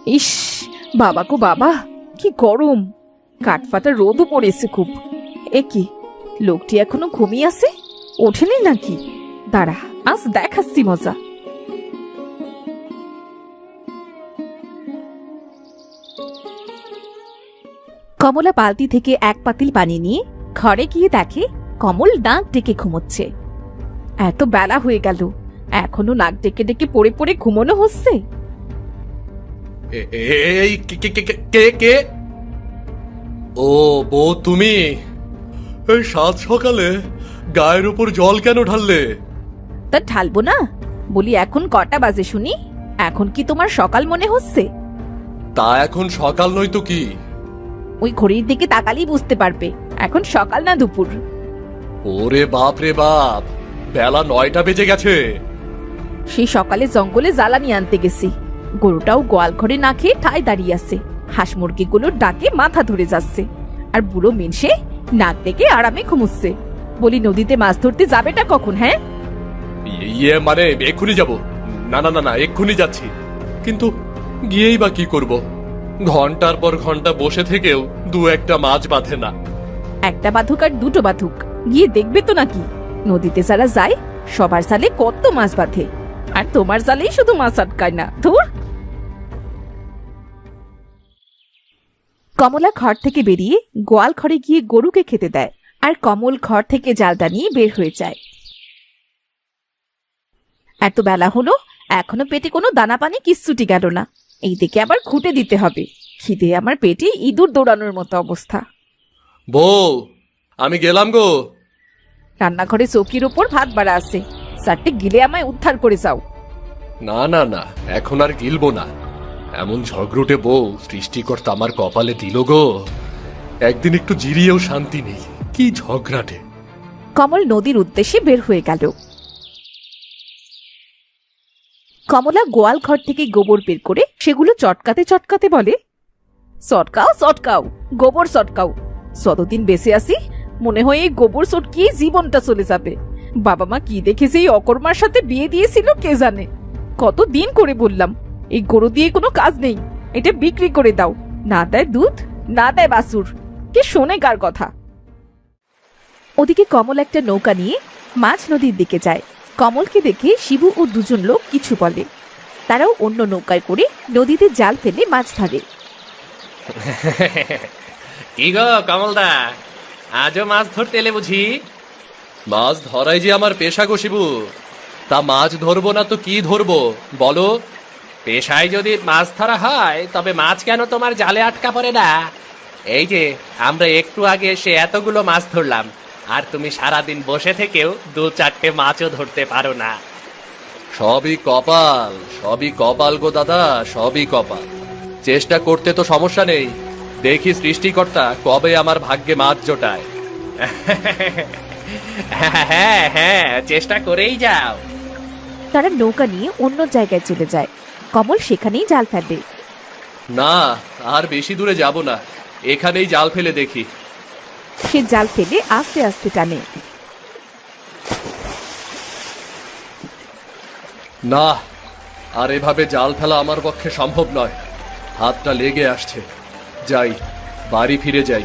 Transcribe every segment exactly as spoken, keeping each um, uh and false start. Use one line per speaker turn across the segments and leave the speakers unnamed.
ইস, বাবা গো বাবা, কি গরম! কাঠফাটা রোদও পড়েছে খুব। এ কি, লোকটি এখনো ঘুমিয়ে আছে? ওঠেনি নাকি? দাঁড়া, আজ দেখাচ্ছি মজা। কমলা বালতি থেকে এক পাতিল পানি নিয়ে ঘরে গিয়ে দেখে কমল নাক ডেকে ঘুমোচ্ছে। এত বেলা হয়ে গেল, এখনো নাক ডেকে ডেকে পড়ে পড়ে ঘুমোনো হচ্ছে।
এই কে কে? ও বউ, তুমি এই সাত সকালে গায়ের উপর জল কেন ঢাললে?
তা ঢালবো না? বলি এখন কটা বাজে শুনি? এখন কি তোমার সকাল মনে হচ্ছে?
তা এখন সকাল নয় তো কি?
ওই ঘড়ির দিকে তাকালেই বুঝতে পারবে এখন সকাল না দুপুর।
ওরে বাপ রে বাপ, বেলা নয়টা বেজে গেছে।
সেই সকালে জঙ্গলে জ্বালানি আনতে গেছি, গরুটাও গোয়াল ঘরে না খেয়ে ঠায় দাঁড়িয়ে আছে। হাঁস মুরগিগুলোর ডাকে মাথা ধরে যাচ্ছে, আর বুড়ো মিনসে নাক ডেকে আরামে ঘুমুচ্ছে। বলি নদীতে মাছ ধরতে যাবেটা কখন? হ্যাঁ,
ইয়ে মানে এক্ষুনি যাব। না না না না, এক্ষুনি যাচ্ছি। কিন্তু গিয়েই বা কি করব? ঘন্টার পর ঘন্টা বসে থেকেও দু একটা মাছ বাঁধে না।
একটা বাঁধুক আর দুটো বাঁধুক, গিয়ে দেখবে তো নাকি? নদীতে যারা যায় সবার জালে কত মাছ বাঁধে, আর তোমার জালেই শুধু মাছ আটকায় না। ধুর! কমলা ঘর থেকে বেরিয়ে গোয়াল ঘরে গিয়ে গরুকে খেতে দেয়, আর কমল ঘর থেকে জালটা নিয়ে বের হয়ে যায়। এত বেলা হলো, এখনো পেটে কোনো দানা পানি কিচ্ছুটি গেল না। এই দিকে আবার খুঁটে দিতে হবে। খিদে আমার পেটে ইঁদুর দৌড়ানোর মতো অবস্থা।
বউ, আমি গেলাম গো।
রান্নাঘরে চৌকির ওপর ভাত বাড়া আছে, চারটে গিলে আমায় উদ্ধার করে যাও।
না না না, এখন আর গিলবো না। এমন ঝগড়ুটে বউ সৃষ্টিকর্তা আমার কপালে দিল গো। একদিন একটু জিরিয়েও শান্তি নেই, কি ঝগড়াটে।
কমল নদীর উদ্দেশ্যে বের হয়ে গেল। কমলা গোয়াল ঘর থেকে গোবর বের করে সেগুলো চটকাতে চটকাতে বলে, চটকাও চটকাও, গোবর চটকাও। যতদিন বেঁচে আসি মনে হয় এই গোবর চটকিয়ে জীবনটা চলে যাবে। বাবা মা কি দেখেছে এই অকর্মার সাথে বিয়ে দিয়েছিল কে জানে। কত দিন করে বললাম এই গরু দিয়ে কোনো কাজ নেই, এটা বিক্রি করে দাও। না দেয় দুধ, না দেয় বাছুর, কে শোনে কার কথা? ওদিকে কমল একটা নৌকা নিয়ে মাঝ নদীর দিকে যায়। কমলকে দেখে শিবু ও দুজন লোক কিছু বলে। তারাও অন্য নৌকায় করে নদীতে জাল ফেলে মাছ ধরে।
কি গো কমলদা, আজও মাছ ধরতে এলে বুঝি?
মাছ ধরাই যে আমার পেশা গো শিবু। তা মাছ ধরবো না তো কি ধরবো বলো?
পেশায় যদি মাছ ধরা হয় তবে মাছ কেন তোমার জালে আটকা পড়ে না? এই যে আমরা একটু আগে এসে এতগুলো মাছ ধরলাম, আর তুমি সারাদিন বসে থেকেও দু চারটে মাছও ধরতে পারো না।
সবই কপাল, সবই কপাল গো দাদা, সবই কপাল। চেষ্টা করতে তো সমস্যা নেই, দেখি সৃষ্টিকর্তা কবে আমার ভাগ্যে মাছ জোটায়।
হ্যাঁ হ্যাঁ, চেষ্টা করেই যাও।
তারা নৌকা নিয়ে অন্য জায়গায় চলে যায়। কমল সেখানেই জাল ফেলবে।
না, আর বেশি দূরে যাব না, এখানেই জাল ফেলে দেখি।
সে জাল ফেলে আস্তে আস্তে টানে।
না, আর এভাবে জাল ফেলা আমার পক্ষে সম্ভব নয়। হাতটা লেগে আসছে, যাই, বাড়ি ফিরে যাই।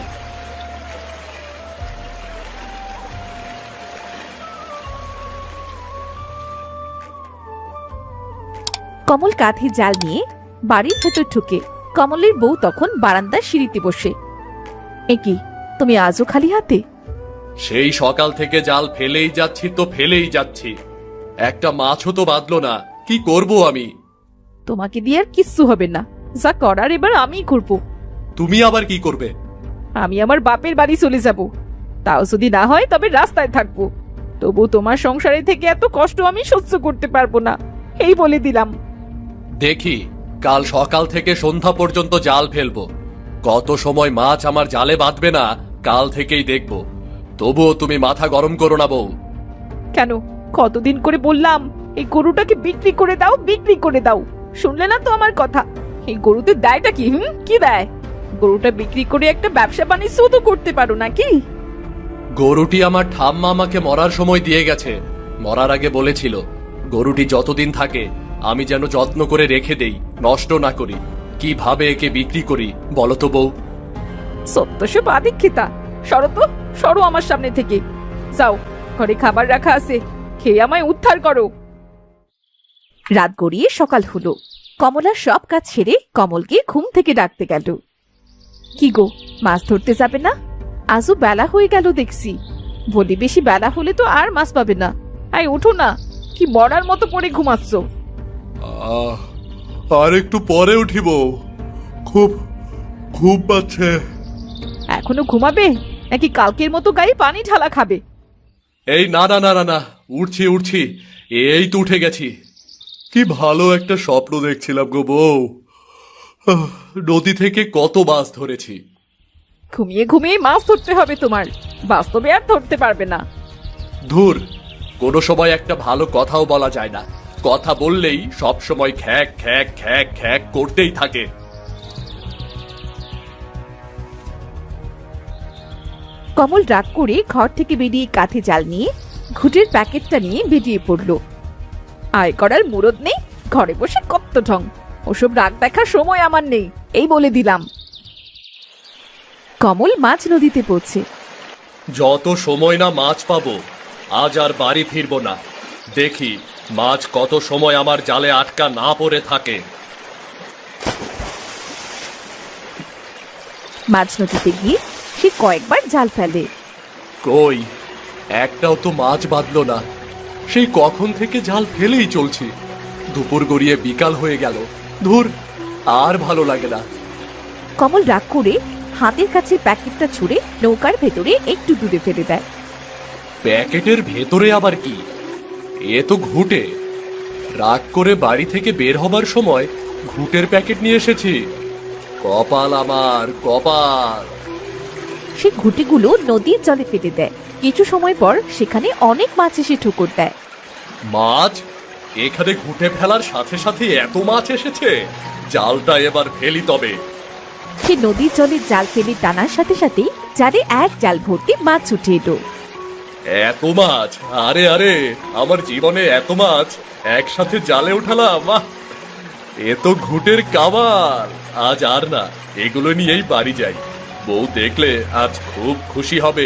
কমল কাঁধে জাল নিয়ে বাড়ির ভেতর ঢুকে। কমলের বউ তখন বারান্দার সিঁড়িতে বসে। এ কি, তুমি আজও খালি হাতে?
সেই সকাল থেকে জাল ফেলেই যাচ্ছি তো ফেলেই যাচ্ছি, একটা মাছও তো বাঁধলো না। কি করব আমি?
তোমাকে দিয়ে আর কিচ্ছু হবে না, যা করার এবার আমিই করব।
তুমি আবার কি করবে?
আমি আমার বাপের বাড়ি চলে যাব, তাও যদি না হয় তবে রাস্তায় থাকবো। তবু তোমার সংসারে থেকে এত কষ্ট আমি সহ্য করতে পারবো না, এই বলে দিলাম।
দেখি, কাল সকাল থেকে সন্ধ্যা পর্যন্ত জাল ফেলবো, কত সময় মাছ আমার জালে বাঁধবে না কাল থেকেই দেখবো। তবুও তুমি মাথা গরম করো না বউ।
কেন, কতদিন করে বললাম এই গরুটাকে বিক্রি করে দাও, বিক্রি করে দাও, শুনলে না তো আমার কথা। এই গরুতে দেয়টা কি? হুম, কি দেয়? গরুটা বিক্রি করে একটা ব্যবসা বাণিজ্য তো করতে পারো নাকি?
গরুটি আমার ঠাম্মা আমাকে মরার সময় দিয়ে গেছে। মরার আগে বলেছিল গরুটি যতদিন থাকে আমি যেন যত্ন করে রেখে দেই, নষ্ট না করি। কিভাবে একে বিক্রি করি বলো তো বউ?
সত্যসে বাদিক্ষিতা, সরো তো, সরো আমার সামনে থেকে। যাও, ঘরে খাবার রাখা আছে, খেয়ে আমায় উদ্ধার করো। রাত গড়িয়ে সকাল হলো। কমলা সব কাজ ছেড়ে কমলকে ঘুম থেকে ডাকতে গেল। কি গো, মাছ ধরতে যাবে না? আজও বেলা হয়ে গেল দেখছি। বলি বেশি বেলা হলে তো আর মাছ পাবে না। আই ওঠো না, কি মরার মতো পড়ে ঘুমাচ্ছ?
আহ, আর একটু পরে উঠিব, খুব ঘুম পাচ্ছে।
এখনো ঘুমাবে নাকি কালকের মতো গায়ে পানি ঢালা খাবে?
এই না না না না না, উঠছি উঠছি, এই তো উঠে গেছি। কি ভালো একটা স্বপ্ন দেখছিলাম গো বউ। আহ, নদী থেকে কত মাছ ধরেছি।
ঘুমিয়ে ঘুমিয়ে মাছ ধরতে হবে তোমার, বাস্তবে আর ধরতে পারবে না।
ধুর, কোনো সময় একটা ভালো কথাও বলা যায় না। কথা বললেই সব সময় খ্যাক খ্যাক খ্যাক খ্যাক করতেই থাকে।
কমল রাগ করে ঘর থেকে বেরিয়ে কাঠে জাল নিয়ে ঘুটের প্যাকেটটা নিয়ে বেরিয়ে পড়ল। আয় করার মুরদ নেই, ঘরে বসে কত ঢং। ওসব রাগ দেখার সময় আমার নেই, এই বলে দিলাম। কমল মাছ নদীতে পড়ছে।
যত সময় না মাছ পাবো, আজ আর বাড়ি ফিরবো না। দেখি মাছ কত সময় আমার জালে আটকা না পড়ে থাকে।
মাছ নদীতে গিয়ে সে কয়েকবার জাল ফেলে।
কই, একটাও তো মাছ বাঁধলো না। সেই কখন থেকে জাল ফেলেই চলছি। দুপুর গড়িয়ে বিকাল হয়ে গেল। ধুর, আর ভালো লাগে না।
কমল রাগ করে হাতের কাছে প্যাকেটটা ছুঁড়ে নৌকার ভেতরে একটু দূরে ফেলে দেয়।
প্যাকেটের ভেতরে আবার কি? এ তো ঘুটে। রাগ করে বাড়ি থেকে বের হবার সময় ঘুটের প্যাকেট নিয়ে এসেছি। কপাল আমার, কপাল।
সে ঘুটিগুলো নদীর জলে ফেলে দেয়। কিছু সময় পর সেখানে অনেক মাছ এসে ঠুকুর দেয়।
মাছ? এখানে ঘুটে ফেলার সাথে সাথে এত মাছ এসেছে? জালটা এবার ফেলি তবে।
সে নদীর জলে জাল ফেলে টানার সাথে সাথেই জালে এক জাল ভর্তি মাছ উঠে এলো।
এত মাছ! আরে আরে, আমার জীবনে এত মাছ একসাথে জালে উঠালাম। আহ! এ তো ঘুটের কামাল। আজ আর না, এগুলো নিয়েই বাড়ি যাই। বউ দেখলে আজ খুব খুশি হবে।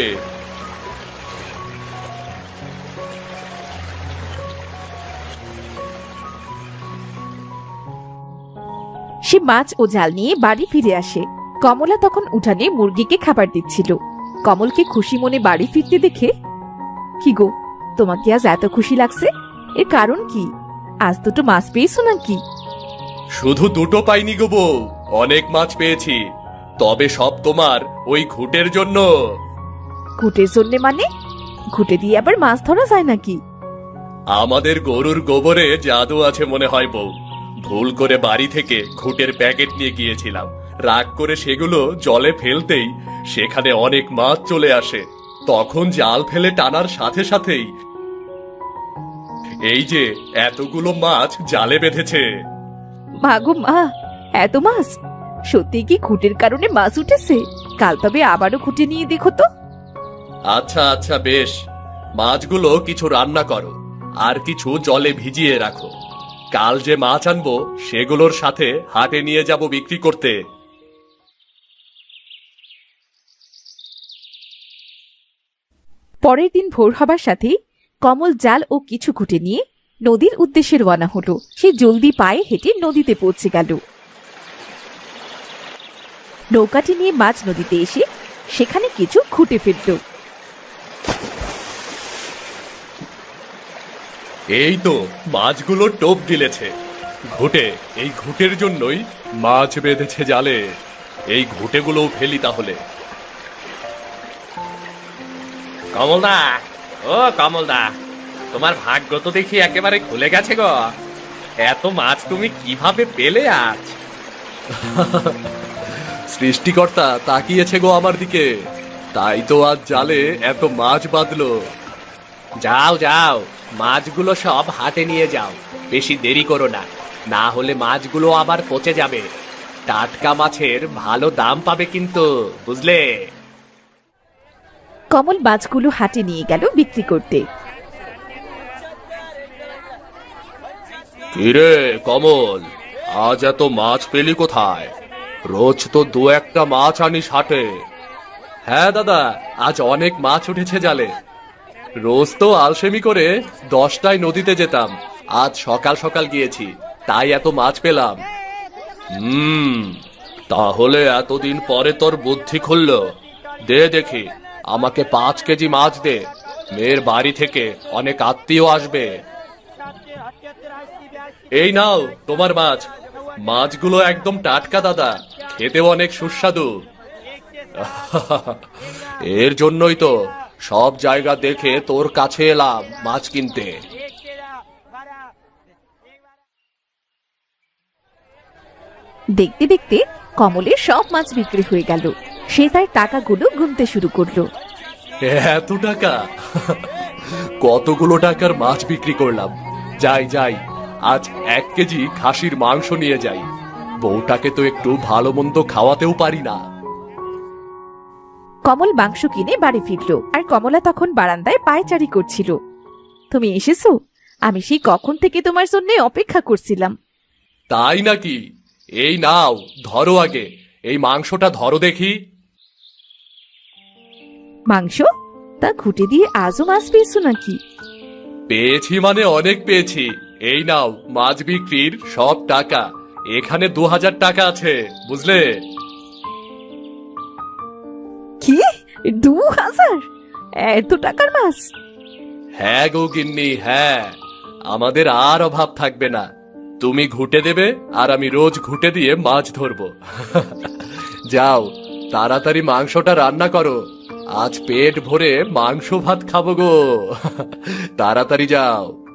সে মাছ ও জাল নিয়ে বাড়ি ফিরে আসে। কমলা তখন উঠানে মুরগিকে খাবার দিচ্ছিল। কমলকে খুশি মনে বাড়ি ফিরতে দেখে, কি গো, তোমাকে আজ এত খুশি লাগছে? এর কারণ কি? আজ দুটো মাছ পেয়েছো নাকি?
শুধু দুটো পাইনি গো বউ, অনেক মাছ পেয়েছি। তবে সব তোমার ওই ঘুটের জন্য।
ঘুটের জন্য মানে? ঘুটে দিয়ে আবার মাছ ধরা যায় নাকি?
আমাদের গরুর গোবরে জাদু আছে মনে হয় বউ। ভুল করে বাড়ি থেকে ঘুটের প্যাকেট নিয়ে গিয়েছিলাম। রাগ করে সেগুলো জলে ফেলতেই সেখানে অনেক মাছ চলে আসে। তখন জাল ফেলে টানার সাথে সাথেই এই যে এতগুলো মাছ জালে বেঁধেছে।
মা গো মা, এত মাছ! সত্যি কি ঘুটের কারণে মাছ উঠেছে? কাল তবে আবারও ঘুটে নিয়ে দেখো তো।
আচ্ছা আচ্ছা বেশ, মাছগুলো কিছু রান্না করো, আর কিছু জলে ভিজিয়ে রাখো। কাল যে মাছ আনবো সেগুলোর সাথে হাটে নিয়ে যাব বিক্রি করতে।
পরের দিন ভোর হবার সাথেই কমল জাল ও কিছু ঘুটে নিয়ে নদীর উদ্দেশ্যে রওনা হলো। সে জলদি পায়ে হেঁটে নদীতে পৌঁছে গেল। নৌকাটি নিয়ে মাছ নদীতে এসে সেখানে কিছু ঘুটে ফেলল।
এই তো মাছগুলো টোপ গিলেছে। ঘুটে, এই ঘুটের জন্যই মাছ বেঁধেছে জালে। এই ঘুটেগুলোও ফেলি তাহলে।
কমলদা, ও কমলদা, তোমার ভাগ্য তো দেখি একেবারে খুলে গেছে গো। এত মাছ তুমি কিভাবে পেলে আজ?
সৃষ্টিকর্তা তাকিয়েছে গো আমার দিকে, তাই তো আজ জালে এত মাছ বাঁধলো।
যাও যাও, মাছগুলো সব হাটে নিয়ে যাও। বেশি দেরি করো না, না হলে মাছগুলো আবার পচে যাবে। টাটকা মাছের ভালো দাম পাবে কিন্তু, বুঝলে?
কমল মাছগুলো হাটে নিয়ে গেল বিক্রি করতে।
কিরে কমল, আজ এত মাছ পেলি কোথায়? রোজ তো দু একটা মাছ আনিস হাটে।
হ্যাঁ দাদা, আজ অনেক মাছ উঠেছে জালে। রোজ তো আলসেমি করে দশটায় নদীতে যেতাম, আজ সকাল সকাল গিয়েছি, তাই এত মাছ পেলাম।
হুম, তাহলে এতদিন পরে তোর বুদ্ধি খুলল। দে দেখি, আমাকে পাঁচ কেজি মাছ দে। মেয়ের বাড়ি থেকে অনেক আত্মীয় আসবে।
এই নাও তোমার মাছ। মাছগুলো একদম টাটকা দাদা, খেতেও অনেক সুস্বাদু।
এর জন্যই তো সব জায়গা দেখে তোর কাছে এলাম মাছ কিনতে।
দেখতে দেখতে কমলের সব মাছ বিক্রি হয়ে গেল। সে তার টাকাগুলো গুনতে শুরু করলো।
এত টাকা! কতগুলো টাকার মাছ বিক্রি করলাম। যাই যাই, আজ এক কেজি খাসির মাংস নিয়ে যাই। বউটাকে তো একটু ভালো মন্দ খাওয়াতেও পারি না।
কমল মাংস কিনে বাড়ি ফিরল, আর কমলা তখন বারান্দায় পায়চারি করছিল। তুমি এসেছো? আমি সেই কখন থেকে তোমার জন্য অপেক্ষা করছিলাম।
তাই নাকি? এই নাও, ধরো আগে এই মাংসটা, ধরো দেখি।
মাংস? তা ঘুটে দিয়ে আজও মাছ পেয়েছো নাকি?
পেয়েছি মানে অনেক পেয়েছি। এই নাও মাছ বিক্রির সব টাকা। এখানে দু হাজার টাকা আছে, বুঝলে?
কি, দু হাজার? এত টাকার মাছ?
হ্যাঁ গো গিন্নি, হ্যাঁ। আমাদের আর অভাব থাকবে না। তুমি ঘুটে দেবে আর আমি রোজ ঘুটে দিয়ে মাছ ধরবো। যাও, তাড়াতাড়ি মাংসটা রান্না করো। আজ পেট ভরে মাংস ভাত খাবো গো। তাড়াতাড়ি যাও।